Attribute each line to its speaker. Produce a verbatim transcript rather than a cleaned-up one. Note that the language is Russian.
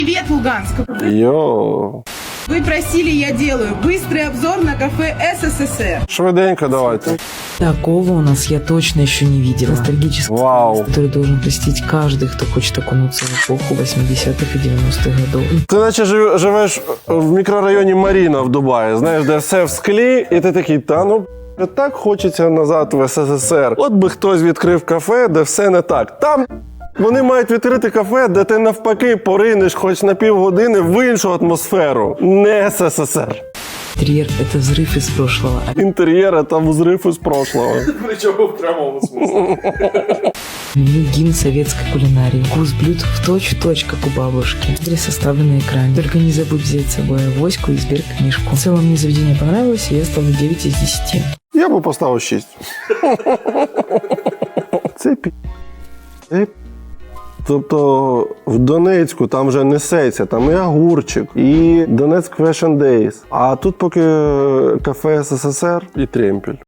Speaker 1: Привет, Луганск!
Speaker 2: Йоу.
Speaker 1: Вы просили, я делаю. Быстрый обзор на кафе СССР.
Speaker 2: Швиденько давайте.
Speaker 3: Такого у нас я точно еще не видела. Ностальгический
Speaker 2: Вау.
Speaker 3: вкус, который должен посетить каждый, кто хочет окунуться в эпоху восьмидесятых и девяностых годов.
Speaker 2: Ти наче жив- живеш в мікрорайоні Маріна в Дубаї, знаєш, де все в склі, і ти такий, та ну, так хочеться назад в СССР. От би хтось відкрив кафе, де все не так. Там вони мають відкрити кафе, де ти навпаки поринеш хоч на півгодини в іншу атмосферу. Не СССР.
Speaker 3: Интерьер – это взрыв из прошлого.
Speaker 2: Інтер'єр – це взрив із прошлого.
Speaker 4: Причому в прямому смысле.
Speaker 3: Меню гимн советской кулинарии. Вкус блюд в точь-в-точь, как у бабушки. Адрес оставлен на экране. Только не забудь взять с собой авоську и сберкнижку. В целом мне заведение понравилось, и я ставлю девять из десяти.
Speaker 2: Я би поставив шість. Це пі... Це пі... Тобто в Донецьку там вже несеться, там і огурчик, і Донецьк Fashion Days. А тут поки кафе СССР і тремпель.